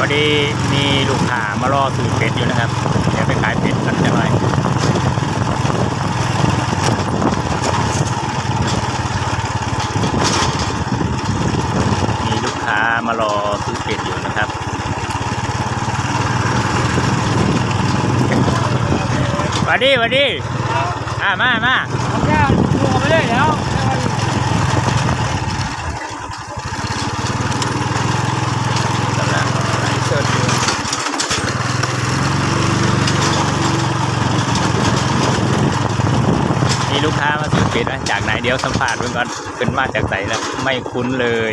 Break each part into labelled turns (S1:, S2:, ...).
S1: ดีมีลูกค้ามารอซื้อเป็ดอยู่นะครับเดี๋ยวไปขายเป็ดกันจะหน่อยมีลูกค้ามารอซื้อเป็ดอยู่นะครับสวัสดีมา
S2: ผมจะดูไปเลยแล้ว
S1: กำลังไลฟ์สดอยู่มีลูกค้ามาซื้อเป็ดนะจากไหนเดี๋ยวสัมภาษณ์เพื่อนก่อนเป็นมาจากไหนแล้วไม่คุ้นเลย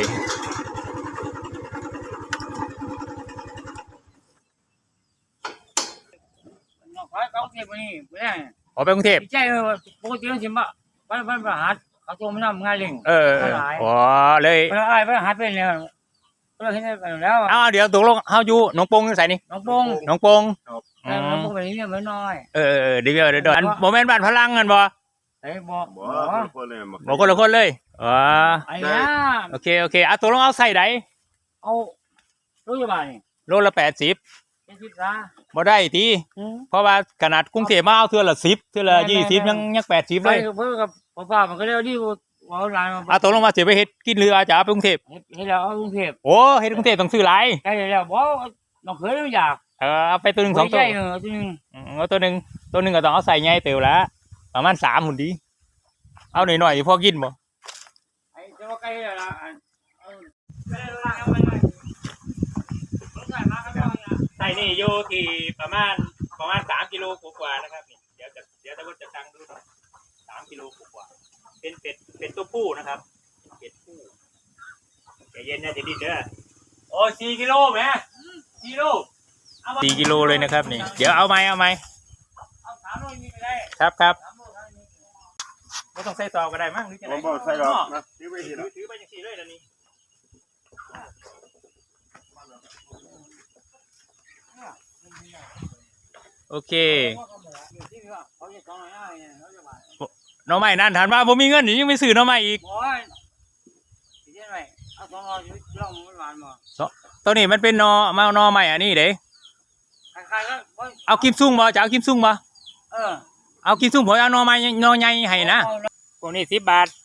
S2: เขาเก็บนี่ไม่ได้
S1: อ๋อไปกรุงเทพ
S2: ใช่ปกติต้องชิมว่าวันประหัสเขาโทรมาทำงานเล่ง
S1: อ๋อเลย
S2: วันหัสเป็นเนี่ยก็เห็นไปแล้ว
S1: เดี๋ยวตกลงเฮาอยู่หนองปงใส่นี่
S2: น้องปง
S1: น้องปง
S2: แบบนี้เนี่ยมันน้อย
S1: เดี๋ยวอันโมเมนต์บ้านพลังกันบ่
S2: บอก
S1: คนละคนเลยอ๋อ
S2: ไอ้เนี่ย
S1: โอเคตกลงเอาใส่ไหน
S2: เอารู้ยังไง
S1: โลละ80บ่ได้ทีเพราะว่าขนาดกรุงเทพมาเอาเทื่อละ10เทื่อละ20ยัง80เลย
S2: เพื่อกับป้ามันก็เรียกที่ว่าหลาย
S1: ตกลงมาเสียไปเฮ็ดกินเรือจะเอาไปกรุงเทพ
S2: เฮ็ดแล้วเอากรุงเทพ
S1: โอ้เฮ็ดกรุงเทพต้องซื้อหลาย
S2: ใช่แล้วบ่น้องเคยไม่อยาก
S1: เอาไปตัวนึง2ตัวเอาตัวนึงก็ต้องเอาใส่ใหญ่เตียวละประมาณ3หุ่นดีเอาหน่อยๆพอกินบ่
S2: ไอ้เจ้าไก่ละ
S1: ใส่นี่อยู่ที่ประมาณ3กิโลกว่านะครับนี่เดี๋ยวตะวันจะตั้งดู3กิโลกว่าเป็นตัวผู้นะครับเป็ดผู้ใจเย็นนะจะดิ้นเด้อโอ้4กิโลแม่4กิโลเลยนะครับนี่เดี๋ยวเอาไหม
S2: เอา3โลนี่ไปได้
S1: ครับไม่ต้องใส่ตอก็ได้มั้งหรือจะได้
S3: ใส่หรอกนะถือไป
S1: อย่าง4เลยนะนี่โอเคน้องใหม่นั่นถามว่าผมมีเงินยังไม่ซื้อน้องใหม่อีกตัวนี้มันเป็นนอใหม่อันนี้เด้เอากิมซุ่งบ่จะเอากิมซุ่งบ่เอากิมซุ่งผมเอานอใหม่นอใหญ่ให้นะพวกนี้10 บาท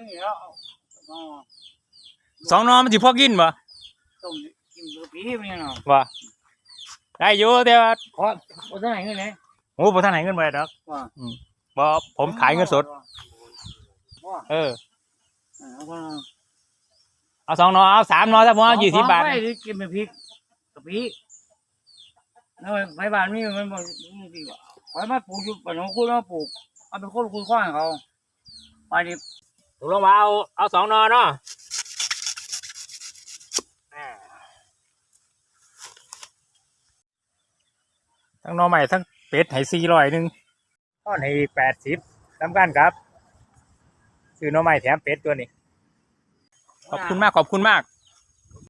S1: 2นอมันสิพอกินบ่บ่ได้อยู่แต่ว่า
S2: โอ้ท่านไหนเงินไหน
S1: โอ้ท่านไหนเงินไปดอกบ่ผมขายเงินสดเอา2 นอเอา3 นอถ้าผมเอา20 บาท
S2: กินเป็นพริกกะปิแล้วใบบ้านนี่มันบอกดีกว่าไว้มาปลูกอยู่ปนคุณมาปลูกเอาเป็นคนคุยข้างเขาไปดิ
S1: ถูกลงมาเอา2 นอเนาะทั้งนอใหม่ทั้งเป็ดให้400นึงต้อนให้80ทำกันครับซื้อนอใหม่แถมเป็ดตัวนี้ขอบคุณมาก